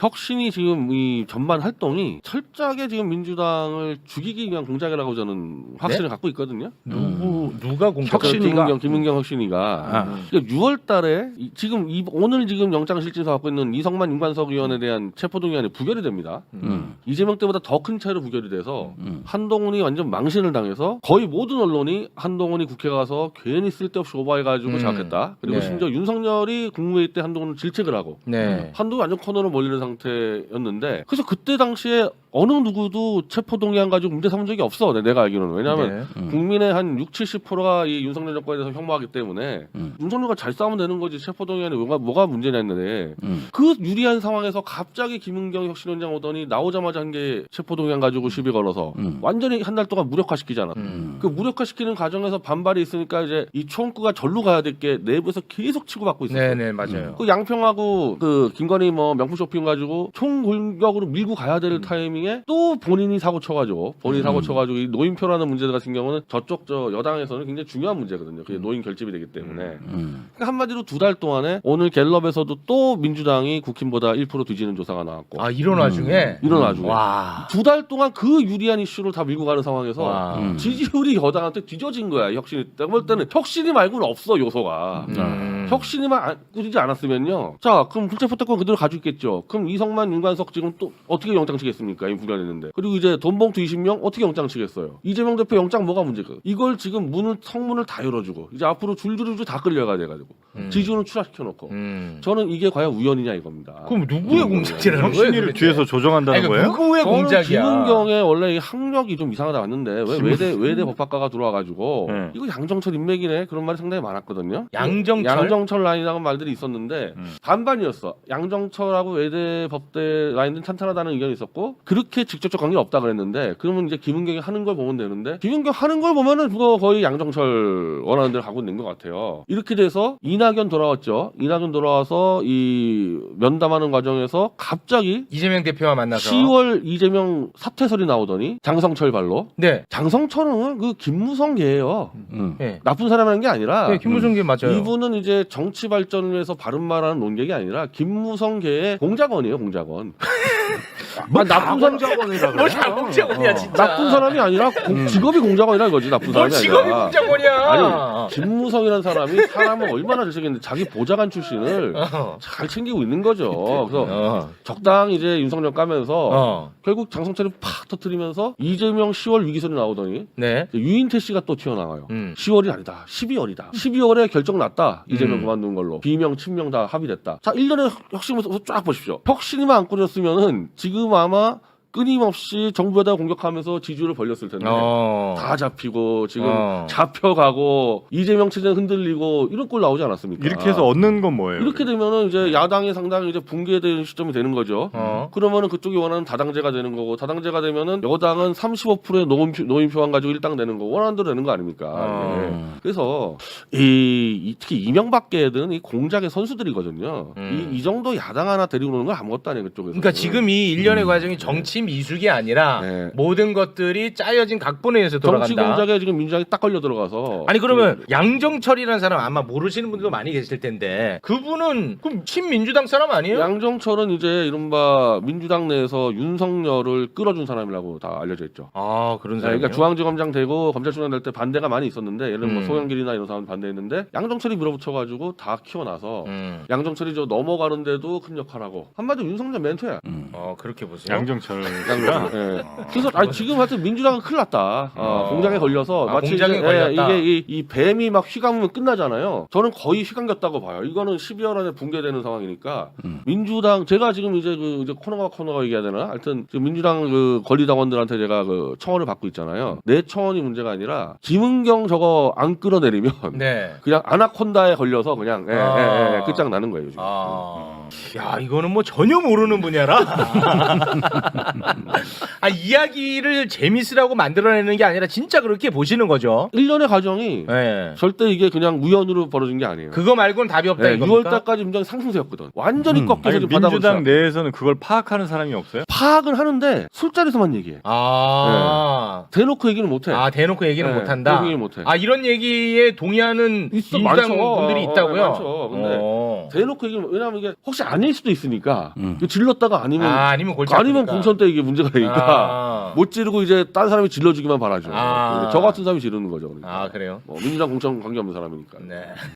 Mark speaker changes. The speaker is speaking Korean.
Speaker 1: 혁신이 지금 이 전반 활동이 철저하게 지금 민주당을 죽이기 위한 공작이라고 저는 확신을 갖고 있거든요.
Speaker 2: 누가 공작?
Speaker 1: 혁신이가 김은경 혁신이가 6월달에 지금 오늘 지금 영장실질서 갖고 있는 이성만 윤관석 의원에 대한 체포동의안이 부결이 됩니다. 이재명 때보다 더 큰 차이로 부결이 돼서 한동훈이 완전 망신을 당해서 거의 모든 언론이 한동훈이 국회 가서 괜히 쓸데없이 오버해가지고 자각했다. 그리고
Speaker 2: 네.
Speaker 1: 심지어 윤석열이 국무회의 때 한동훈을 질책을 하고
Speaker 2: 네.
Speaker 1: 한동훈이 완전 코너로 몰리는 상태였는데 그래서 그때 당시에 어느 누구도 체포동의안 가지고 문제 삼은 적이 없어. 내가 알기로는. 왜냐하면 국민의 한 60~70%가 이 윤석열 정권에 대해서 혐오하기 때문에 윤석열과 잘 싸우면 되는 거지 체포동의안이 뭐가 문제냐 했는데 그 유리한 상황에서 갑자기 김은경 혁신위원장 오더니 나오자마자 한 게 체포동의안 가지고 시비 걸어서 완전히 한 달 동안 무력화시키지 않았다. 그 무력화시키는 과정에서 반발이 있으니까 이제 이 총구가 절로 가야 될 게 내부에서 계속 치고받고 있었어요.
Speaker 2: 네네 맞아요.
Speaker 1: 그 양평하고 그 김건희 뭐 명품 쇼핑 가지고 총 공격으로 밀고 가야 될 타이밍에 또 본인이 사고 쳐가지고 이 노인표라는 문제 같은 경우는 저쪽 여당에서는 굉장히 중요한 문제거든요. 그게 노인 결집이 되기 때문에 그러니까 한마디로 2달 동안에 오늘 갤럽에서도 또 민주당이 국힘보다 1% 뒤지는 조사가 나왔고
Speaker 2: 이런 와중에
Speaker 1: 이런 와중에
Speaker 2: 와.
Speaker 1: 2달 동안 그 유리한 이슈를 다 밀고 가는 상황에서
Speaker 2: 와.
Speaker 1: 지지율이 여당한테 뒤져진 거야. 혁신이. 내가 볼 때는 혁신이 말고는 없어 요소가. 혁신이만 꾸리지 않았으면요. 자, 그럼 불체포특권 그대로 가지고 있겠죠. 그럼 이성만, 윤관석 지금 또 어떻게 영장 치겠습니까? 이 부결했는데. 그리고 이제 돈봉투 20명 어떻게 영장 치겠어요? 이재명 대표 영장 뭐가 문제가? 이걸 지금 성문을 다 열어주고 이제 앞으로 줄줄이 다 끌려가야 돼가지고 지지율은 추락시켜놓고 저는 이게 과연 우연이냐 이겁니다.
Speaker 2: 그럼 누구의 공작이라는 거예요?
Speaker 3: 혁신이를 뒤에서 조정한다는 거예요?
Speaker 2: 누구의
Speaker 1: 저는
Speaker 2: 공작이야?
Speaker 1: 김은경의 원래 이 학력이 좀 이상하다 왔는데 왜 외대 법학과가 들어와가지고 이거 양정철 인맥이네 그런 말이 상당히 많았거든요. 양정철 라인이라는 말들이 있었는데 반반이었어. 양정철하고 외대 법대 라인은 탄탄하다는 의견이 있었고 그렇게 직접적 관계 없다 그랬는데 그러면 이제 김은경이 하는 걸 보면 되는데 김은경 하는 걸 보면은 그거 거의 양정철 원하는 대로 가고 있는 것 같아요. 이렇게 돼서 이낙연 돌아왔죠. 이낙연 돌아와서 이 면담하는 과정에서 갑자기
Speaker 2: 이재명 대표와 만나서
Speaker 1: 10월 이재명 사퇴설이 나오더니 장성철 발로.
Speaker 2: 네.
Speaker 1: 장성철은 그 김무성계예요.
Speaker 2: 네.
Speaker 1: 나쁜 사람이라는 게 아니라
Speaker 2: 네, 김무성계 맞아요.
Speaker 1: 이분은 이제 정치 발전을 위해서 바른 말하는 논객이 아니라 김무성계의 공작원이에요, 공작원. 나쁜
Speaker 3: 공작원이라
Speaker 2: 뭘 공작원이야 진짜.
Speaker 1: 나쁜 사람이 아니라 직업이 공작원이라 이거지. 나쁜
Speaker 2: 뭘
Speaker 1: 사람이
Speaker 2: 직업이
Speaker 1: 아니라.
Speaker 2: 공작원이야.
Speaker 1: 아니 김무성이라는 사람이 사람을 얼마나 잘 챙겼는데 자기 보좌관 출신을 잘 챙기고 있는 거죠. 그래서 적당히 이제 윤석열 까면서 결국 장성철이 팍 터뜨리면서 이재명 10월 위기설이 나오더니
Speaker 2: 네.
Speaker 1: 유인태 씨가 또 튀어나와요. 10월이 아니다. 12월이다. 12월에 결정 났다. 이재명 그만둔 걸로. 비명, 친명 다 합의됐다. 자, 1년의 혁신부터 쫙 보십시오. 혁신이만 안 꾸렸으면은 지금 아마 끊임없이 정부에다 공격하면서 지지율을 벌렸을 텐데 다 잡히고 지금 잡혀가고 이재명 체제는 흔들리고 이런 꼴 나오지 않았습니까?
Speaker 3: 이렇게 해서 얻는 건 뭐예요?
Speaker 1: 이렇게 되면은 이제 야당이 상당히 이제 붕괴되는 시점이 되는 거죠. 그러면은 그쪽이 원하는 다당제가 되는 거고 다당제가 되면은 여당은 35%의 노인표만 가지고 일당되는 거 원하는 대로 되는 거 아닙니까? 예. 그래서 특히 이명박계든 이 공작의 선수들이거든요. 이 정도 야당 하나 데리고 오는 건 아무것도 아니에요 그쪽에서.
Speaker 2: 그러니까 지금 이 일련의 과정이 정치 미숙이 아니라 모든 것들이 짜여진 각본에 의해서 돌아간다.
Speaker 1: 정치 공작에 지금 민주당이 딱 걸려 들어가서.
Speaker 2: 아니 그러면 양정철이라는 사람 아마 모르시는 분들도 많이 계실 텐데 그분은 그럼 친민주당 사람 아니에요?
Speaker 1: 양정철은 이제 이른바 민주당 내에서 윤석열을 끌어준 사람이라고 다 알려져 있죠.
Speaker 2: 아 그런 사람이요?
Speaker 1: 그러니까 중앙지검장 되고 검찰총장 될 때 반대가 많이 있었는데 예를 들면 뭐 송영길이나 이런 사람 반대했는데 양정철이 밀어붙여가지고 다 키워놔서 양정철이 저 넘어가는데도 큰 역할하고 한마디로 윤석열 멘토야.
Speaker 2: 그렇게 보세요.
Speaker 3: 양정철.
Speaker 1: 예. 그래서 지금 하여튼 민주당은 큰일 났다. 공작에 걸려서 마치
Speaker 2: 공작에
Speaker 1: 이제,
Speaker 2: 걸렸다.
Speaker 1: 이게 이 뱀이 막 휘감으면 끝나잖아요. 저는 거의 휘감겼다고 봐요. 이거는 12월 안에 붕괴되는 상황이니까 민주당 제가 지금 이제 이제 코너가 얘기해야 되나? 하여튼 지금 민주당 그 권리당원들한테 제가 그 청원을 받고 있잖아요. 내 청원이 문제가 아니라 김은경 저거 안 끌어내리면 그냥 아나콘다에 걸려서 그냥 끝장 나는 거예요. 지금.
Speaker 2: 야 이거는 뭐 전혀 모르는 분야라. 이야기를 재밌으라고 만들어내는 게 아니라 진짜 그렇게 보시는 거죠.
Speaker 1: 1년의 과정이 절대 이게 그냥 우연으로 벌어진 게 아니에요.
Speaker 2: 그거 말고는 답이 없다 이겁니까?
Speaker 1: 6월달까지 민주당이 상승세였거든. 완전히 꺾여서 지금
Speaker 3: 민주당
Speaker 1: 바닥으로
Speaker 3: 내에서는 그걸 파악하는 사람이 없어요?
Speaker 1: 파악은 하는데 술자리에서만 얘기해. 대놓고 얘기는 못해.
Speaker 2: 대놓고 얘기는 못한다.
Speaker 1: 대놓고 얘기는 못해.
Speaker 2: 이런 얘기에 동의하는 민주당
Speaker 1: 많죠.
Speaker 2: 분들이 있다고요?
Speaker 1: 많죠. 근데 대놓고 얘기는 왜냐하면 이게 혹시 그것이 아닐 수도 있으니까 질렀다가
Speaker 2: 아니면 골치
Speaker 1: 아니면
Speaker 2: 아프니까.
Speaker 1: 공천 때 이게 문제가 되니까 못 지르고 이제 딴 사람이 질러주기만 바라죠. 저 같은 사람이 지르는 거죠. 그러니까.
Speaker 2: 그래요?
Speaker 1: 민주당 공천 관계 없는 사람이니까.
Speaker 2: 네.